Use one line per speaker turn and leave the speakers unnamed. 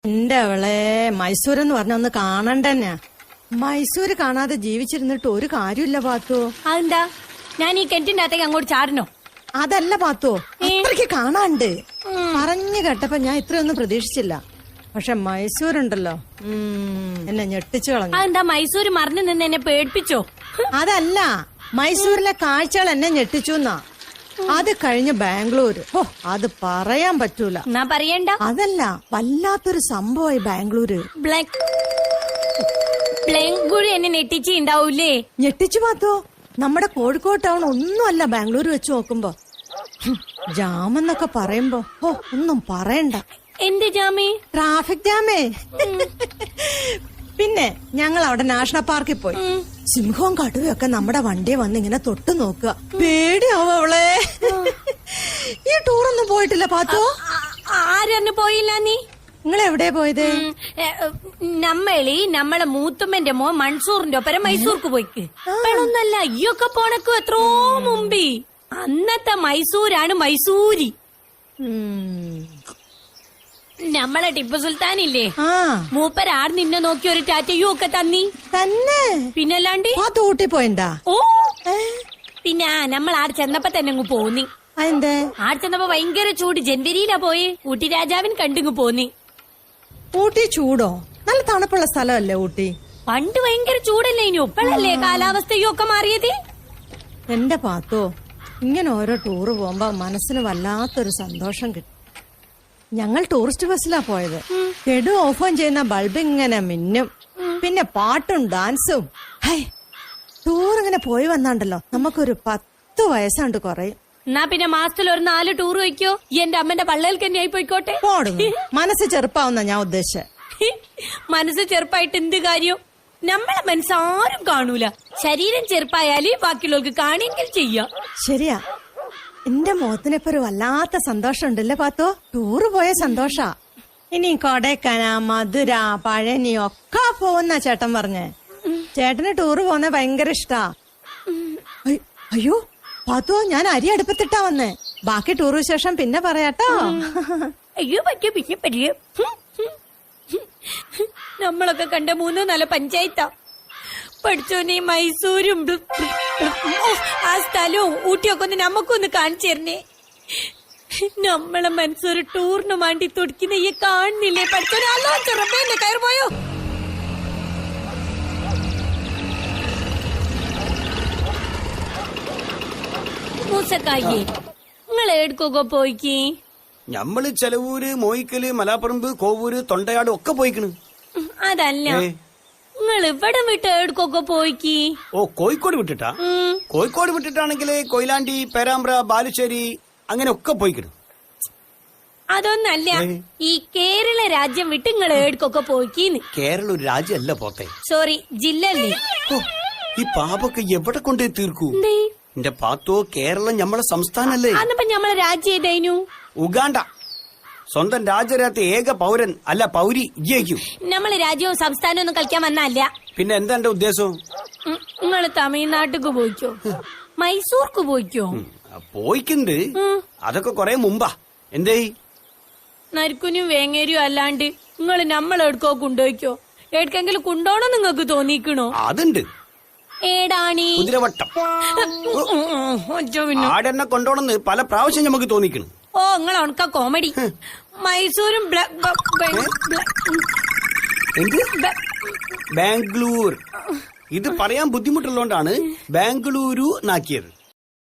എന്റെ അവളെ മൈസൂർ എന്ന് പറഞ്ഞ ഒന്ന് കാണണ്ടന്നെ. മൈസൂര് കാണാതെ ജീവിച്ചിരുന്നിട്ട് ഒരു കാര്യമില്ല പാത്തോ.
അതെന്താ ഞാൻ ഈ കിണറ്റിന്റെ അകത്തേക്ക് അങ്ങോട്ട് ചാടണോ?
അതല്ല പാത്തോ, അത്രയ്ക്ക് കാണാണ്ട്. പറഞ്ഞു കേട്ടപ്പോ ഞാൻ ഇത്രയൊന്നും പ്രതീക്ഷിച്ചില്ല. പക്ഷെ മൈസൂരുണ്ടല്ലോ, എന്നെ ഞെട്ടിച്ചു കളഞ്ഞു.
അതെന്താ മൈസൂര് മറിഞ്ഞു നിന്ന് എന്നെ പേടിപ്പിച്ചോ?
അതല്ല, മൈസൂരിലെ കാഴ്ചകൾ എന്നെ ഞെട്ടിച്ചു എന്നാ. അത് കഴിഞ്ഞ് ബാംഗ്ലൂര്, ഓ അത് പറയാൻ പറ്റൂല.
എന്നാ പറയണ്ട.
അതല്ല, വല്ലാത്തൊരു സംഭവമായി ബാംഗ്ലൂര്.
ബാംഗ്ലൂര് എന്നെ ഞെട്ടിച്ചുണ്ടാവൂലേ?
ഞെട്ടിച്ചു പാത്തോ. നമ്മുടെ കോഴിക്കോട് ടൗൺ ഒന്നുമല്ല ബാംഗ്ലൂർ വെച്ച് നോക്കുമ്പോ. ജാം എന്നൊക്കെ പറയുമ്പോ ഓ ഒന്നും പറയണ്ട.
എന്ത് ജാമേ?
ട്രാഫിക് ജാമേ. പിന്നെ ഞങ്ങൾ അവിടെ നാഷണൽ പാർക്കിൽ പോയി. സിംഹവും കടുവയൊക്കെ നമ്മുടെ വണ്ടിയെ വന്ന് ഇങ്ങനെ തൊട്ടു നോക്കുക. പേടിയാവും അവളെ. ഈ ടൂറൊന്നും പോയിട്ടില്ല പാത്തോ?
ആരൊന്നും പോയില്ല. നീ
നിങ്ങൾ എവിടെയാ പോയത്?
നമ്മളെ മൂത്തുമ്മന്റെ മോ മൺസൂറിന്റെ ഒപ്പരം മൈസൂർക്ക് പോയിക്ക്. ഒന്നല്ല അയ്യൊക്കെ പോണക്കു എത്രോ മുമ്പി. അന്നത്തെ മൈസൂരാണ് മൈസൂരി. നമ്മളെ ടിപ്പു സുൽത്താനില്ലേ, മൂപ്പരാർ നിന്നെ നോക്കി ഒരു ടാറ്റയും ഒക്കെ തന്നി
തന്നെ.
പിന്നല്ലാണ്ട്
ഊട്ടി പോയിണ്ടാ?
ഓ പിന്നെ നമ്മൾ ആട് ചെന്നപ്പോ തന്നെ അങ്ങ് പോന്നി.
അതെന്തേ?
ആട് ചെന്നപ്പോ ഭയങ്കര ചൂട്. ജനുവരിയിലാ പോയി. ഊട്ടി രാജാവിന് കണ്ടിങ്ങ് പോന്നി.
ഊട്ടി ചൂടോ? നല്ല തണുപ്പുള്ള സ്ഥലമല്ലേ ഊട്ടി?
പണ്ട് ഭയങ്കര ചൂടല്ലേ, ഇനി ഒപ്പഴല്ലേ കാലാവസ്ഥയും ഒക്കെ മാറിയത്.
എന്റെ പാത്തോ, ഇങ്ങനെ ഓരോ ടൂറ് പോകുമ്പോ മനസ്സിന് വല്ലാത്തൊരു സന്തോഷം കിട്ടും. ഞങ്ങൾ ടൂറിസ്റ്റ് ബസ്സിലാ പോയത്. കെടു ഓഫോൺ ചെയ്യുന്ന ബൾബ് ഇങ്ങനെ മിന്നും. പിന്നെ പാട്ടും ഡാൻസും. ഹൈ, ടൂർ ഇങ്ങനെ പോയി വന്നാണ്ടല്ലോ നമുക്കൊരു 10 വയസ്സാണ്ട് കുറയും.
എന്നാ പിന്നെ മാസത്തിൽ ഒരു 4 ടൂർ വയ്ക്കോ. എന്റെ അമ്മന്റെ പള്ളയിൽ തന്നെ ആയി പോയിക്കോട്ടെ.
മനസ്സ് ചെറുപ്പാവുന്ന ഞാൻ ഉദ്ദേശിച്ച.
മനസ്സ് ചെറുപ്പായിട്ട് എന്ത് കാര്യം? നമ്മളെ മനസ്സാരും കാണൂല. ശരീരം ചെറുപ്പായാലേ ബാക്കിയുള്ളവർക്ക് കാണിയെങ്കിൽ ചെയ്യാം.
ശരിയാ. എന്റെ മുഖത്തിനിപ്പോ ഒരു വല്ലാത്ത സന്തോഷം ഉണ്ടല്ലേ പാത്തോ? ടൂറ് പോയ സന്തോഷാ. ഇനി കൊടൈക്കനാ, മധുര, പഴനി ഒക്കെ പോകുന്ന ചേട്ടൻ പറഞ്ഞേ. ചേട്ടന് ടൂറ് പോകുന്ന ഭയങ്കര ഇഷ്ടാ. അയ്യോ പാത്തോ, ഞാൻ അരി അടുപ്പത്തിട്ടാ വന്നേ. ബാക്കി ടൂർ വിശേഷം പിന്നെ പറയാട്ടോ.
അയ്യോ പറ്റിയ പിന്നെ പറ്റിയ. നമ്മളൊക്കെ കണ്ട 3-4 പഞ്ചായത്താ. പഠിച്ചോനെ മൈസൂരും ആ സ്ഥലവും ഊട്ടിയൊക്കെ ഒന്ന് നമുക്കൊന്ന് കാണിച്ചു തരണേ. നമ്മളെ മനസ്സൊരു ടൂറിന് വേണ്ടി തുടിക്കുന്ന ഈ കാണുന്നില്ലേ? പഠിച്ചോനെ അല്ലോ ചെറുപ്പേന്റെ കയറി പോയോ? മൂസക്കായി നിങ്ങൾ എടുക്കൊക്കെ പോയിക്ക്?
ഞമ്മള് ചെലവൂര്, മോയിക്കല്, മലാപ്പറമ്പ്, കോവൂര്, തൊണ്ടയാട് ഒക്കെ പോയിക്കണ്.
അതല്ല, നിങ്ങൾ ഇവിടെ വിട്ട് എടുക്കൊക്കെ പോയിക്ക്?
ഓ കോഴിക്കോട് വിട്ടിട്ടാ? കോഴിക്കോട് വിട്ടിട്ടാണെങ്കിൽ കൊയിലാണ്ടി, പേരാമ്പ്ര, ബാലുശ്ശേരി അങ്ങനെ ഒക്കെ പോയിക്കണ്.
അതൊന്നല്ല, ഈ കേരള രാജ്യം വിട്ട് നിങ്ങൾ എടുക്കൊക്കെ പോയിക്കീന്ന്.
കേരള ഒരു രാജ്യമല്ല പോത്തെ.
സോറി, ജില്ലല്ലേ.
ഈ പാപൊക്കെ എവിടെ കൊണ്ടേ തീർക്കൂ? എന്റെ പാത്തോ, കേരളം ഞമ്മളെ സംസ്ഥാനല്ലേ?
അന്നപ്പോ ഞമ്മളെ രാജ്യം ഏതായിരുന്നു?
ഉഗാണ്ട. സ്വന്തം രാജ്യരാത്ത ഏക പൗരൻ അല്ല പൗരി ഇജ്ജയിക്കും.
നമ്മള് രാജ്യവും സംസ്ഥാനവും ഒന്നും കളിക്കാൻ വന്നല്ല.
പിന്നെ എന്താ എന്റെ ഉദ്ദേശം?
നിങ്ങള് തമിഴ്നാട്ടിക്ക് പോയിക്കോ, മൈസൂർക്ക് പോയിക്കോ?
പോയിക്കുണ്ട്. അതൊക്കെ കൊറേ മുമ്പാ. എന്തേ?
നരിക്കുനും വേങ്ങേരിയും അല്ലാണ്ട് നിങ്ങള് നമ്മളെടുക്കോ കൊണ്ടുപോയിക്കോ? എവിടെക്കെങ്കിലും കൊണ്ടോണം നിങ്ങക്ക് തോന്നിക്കണോ?
അതുണ്ട്.
ഏടാണി?
കുതിരവട്ടം. ആടെന്നെ കൊണ്ടോണെന്ന് പല പ്രാവശ്യം നമുക്ക് തോന്നിക്കണം.
ഓ നിങ്ങൾ ഉണക്ക കോമഡി. മൈസൂരും
ബാംഗ്ലൂർ. ഇത് പറയാൻ ബുദ്ധിമുട്ടുള്ളതുകൊണ്ടാണ് ബാംഗ്ലൂരു നാക്കിയത്.